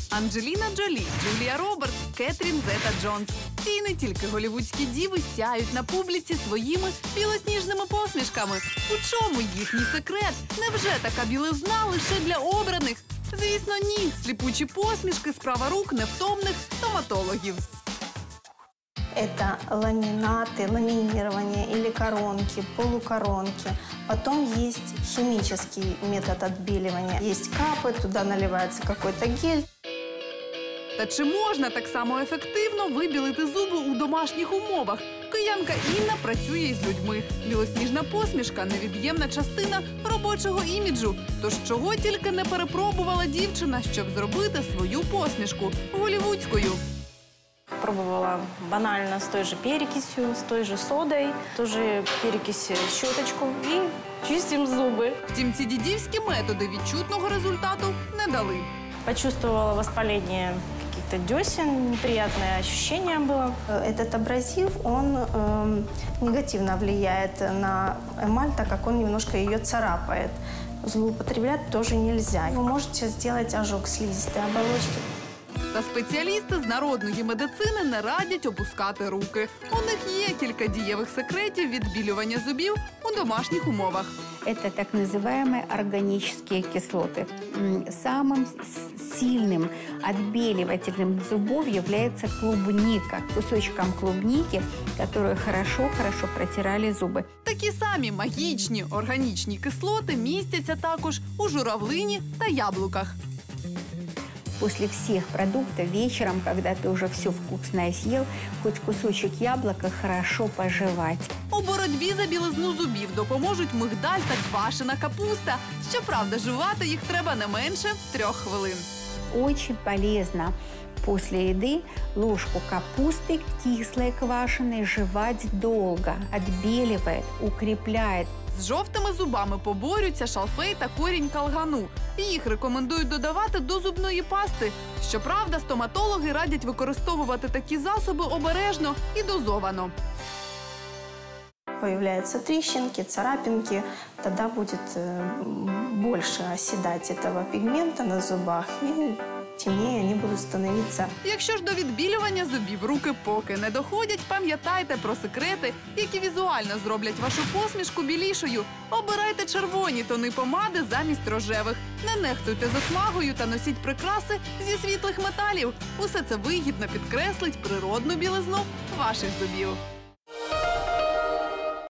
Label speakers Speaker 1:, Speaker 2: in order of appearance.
Speaker 1: Анджеліна Джолі, Джулія Робертс, Кетрін Зета-Джонс. Ці не тільки голівудські діви сяють на публіці своїми білосніжними посмішками. У чому їхній секрет? Невже така білизна лише для обраних? Звісно, ні. Сліпучі посмішки – справа рук невтомних стоматологів.
Speaker 2: Это ламинаты, ламинирование или коронки, полукоронки. Потом есть химический метод отбеливания. Есть капы, туда наливается какой-то гель.
Speaker 1: Та чи можна так само ефективно вибілити зуби у домашніх умовах? Киянка Інна працює із людьми. Білосніжна посмішка – невід'ємна частина робочого іміджу. Тож чого тільки не перепробувала дівчина, щоб зробити свою посмішку голівудською.
Speaker 3: Пробовала банально с той же перекисью, с той же содой, тоже перекись щеточку и чистим зубы.
Speaker 1: Втім, ці дідівські методи відчутного результату не дали.
Speaker 3: Почувствовала воспаление каких-то десен, неприятное ощущение было.
Speaker 2: Этот абразив, он негативно влияет на эмаль, так как он немножко ее царапает. Злоупотреблять тоже нельзя. Вы можете сделать ожог слизистой оболочки.
Speaker 1: Та спеціалісти з народної медицини не радять опускати руки. У них є кілька дієвих секретів відбілювання зубів у домашніх умовах.
Speaker 4: Это так называемые органические кислоты. Самым сильным отбеливателем зубов является клубника. Кусочком клубники, которые хорошо протирали зубы.
Speaker 1: Такі самі магічні органічні кислоти містяться також у журавлині та яблуках.
Speaker 4: После всех продуктов вечером, когда ты уже все вкусное съел, хоть кусочек яблока хорошо пожевать.
Speaker 1: У боротьбі за білизну зубів допоможуть мигдаль та квашена капуста. Щоправда, жувати їх треба не менше 3 хвилин.
Speaker 4: Очень полезно после еды ложку капусты кислой квашеной жевать долго. Отбеливает, укрепляет.
Speaker 1: З жовтими зубами поборються шалфей та корінь калгану. Їх рекомендують додавати до зубної пасти. Щоправда, стоматологи радять використовувати такі засоби обережно і дозовано.
Speaker 2: Появляются трещинки, царапинки, тогда будет больше оседать этого пигмента на зубах, и темнее они будут становиться.
Speaker 1: Якщо ж до відбілювання зубів руки поки не доходять, пам'ятайте про секрети, які візуально зроблять вашу посмішку білішою. Обирайте червоні тони помади замість рожевих. Не нехтуйте засмагою та носіть прикраси зі світлих металів. Усе це вигідно підкреслить природну білизну ваших зубів.